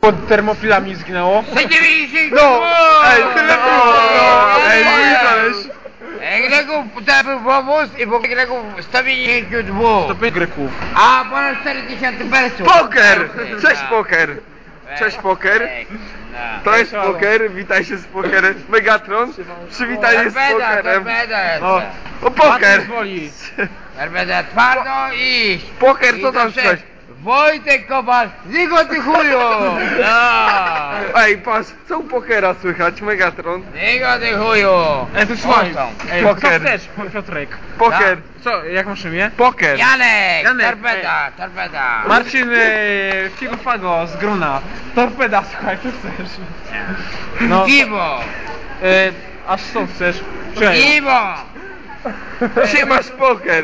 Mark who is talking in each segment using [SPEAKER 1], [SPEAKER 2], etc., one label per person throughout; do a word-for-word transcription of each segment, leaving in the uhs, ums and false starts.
[SPEAKER 1] Pod termofilami zginęło?
[SPEAKER 2] No! Ej, no, ej,
[SPEAKER 1] koleś.
[SPEAKER 2] Greków to był powóz i po Greków sto pięćdziesiąt dwa.
[SPEAKER 1] sto pięć Greków.
[SPEAKER 2] A ponad cztery tysiące persów.
[SPEAKER 3] Poker! Cześć poker! Cześć poker! To jest poker, witaj się z pokerem. Megatron, przywitanie z pokerem.
[SPEAKER 2] No.
[SPEAKER 3] O poker!
[SPEAKER 2] Arbeda twardo iść.
[SPEAKER 3] Poker, co tam słychać?
[SPEAKER 2] Wojtek Kowal, Zigo ty chuju! No.
[SPEAKER 3] Ej, patrz, co u pokera słychać, Megatron?
[SPEAKER 2] Zigo ty chuju!
[SPEAKER 1] Ej, to słuchaj, ej,
[SPEAKER 3] Poker.
[SPEAKER 1] co chcesz, Piotrek?
[SPEAKER 3] Poker,
[SPEAKER 1] Co, jak masz imię?
[SPEAKER 3] poker.
[SPEAKER 2] Janek,
[SPEAKER 1] Janek,
[SPEAKER 2] torpeda, torpeda.
[SPEAKER 1] Marcin e, Figofago z Gruna. Torpeda, słuchaj, co chcesz? No,
[SPEAKER 2] Piwo!
[SPEAKER 1] e, aż co chcesz? Cześć.
[SPEAKER 2] Piwo!
[SPEAKER 3] Gdzie masz poker?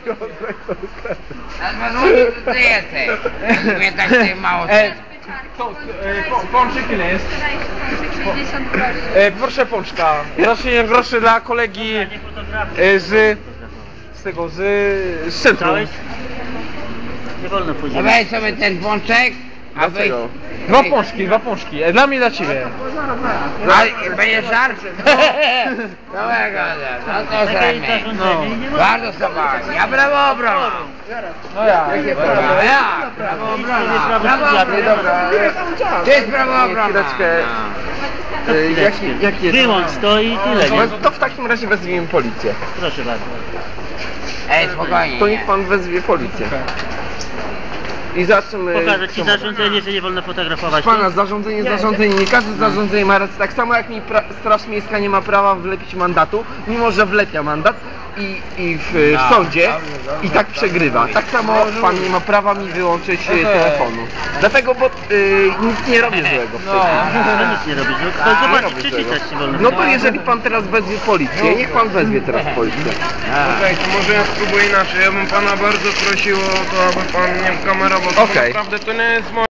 [SPEAKER 2] Na dwa złote to ty jesteś. Mnie tak się mało
[SPEAKER 1] E, to, e, po, pączek ile jest?
[SPEAKER 4] sześćdziesiąt groszy.
[SPEAKER 1] E, proszę pączka. Zacznie groszy dla kolegi e, z... z tego, z... z centrum.
[SPEAKER 5] Nie wolno pójść.
[SPEAKER 2] Weź sobie ten pączek, a wy...
[SPEAKER 3] Dlaczego?
[SPEAKER 1] Dwa pączki, dwa pączki. E, dla mnie, dla ciebie.
[SPEAKER 2] A będzie żart? Dobrego, no to zrobimy.
[SPEAKER 1] No.
[SPEAKER 2] Bardzo sobą. Ja prawo obrona.
[SPEAKER 1] No ja.
[SPEAKER 2] Brawo, ja, prawo obrona. Prawo obrona. Ty jest prawo obrona.
[SPEAKER 3] Chwileczkę. Y, Jaki, jaki jest?
[SPEAKER 5] Wyłącz to i tyle,
[SPEAKER 3] No,
[SPEAKER 5] nie?
[SPEAKER 3] to w takim razie wezwijmy policję.
[SPEAKER 5] Proszę bardzo.
[SPEAKER 2] Ej, spokojnie.
[SPEAKER 3] To niech pan wezwie policję. I zaczniemy...
[SPEAKER 5] Pokażę ci zarządzenie, że nie wolno fotografować.
[SPEAKER 3] Pana, zarządzenie, zarządzenie, nie każde zarządzenie ma rację. Tak samo jak mi pra Straż Miejska nie ma prawa wlepić mandatu, mimo że wlepia mandat i, i w, w sądzie i tak przegrywa. Tak samo pan nie ma prawa mi wyłączyć e, telefonu. Dlatego, bo y, nic nie robię złego w tej chwili.
[SPEAKER 5] To nic nie robisz, no to
[SPEAKER 3] Nie
[SPEAKER 5] zobaczyć,
[SPEAKER 3] robię
[SPEAKER 5] przeczytać
[SPEAKER 3] złego.
[SPEAKER 5] nie wolno.
[SPEAKER 3] No to jeżeli pan teraz wezwie policję, niech pan wezwie teraz policję.
[SPEAKER 6] Okej, to może ja spróbuję inaczej. Ja bym pana bardzo prosił o to, aby pan nie kamerował. To
[SPEAKER 3] Okej.
[SPEAKER 6] naprawdę to nie jest moje.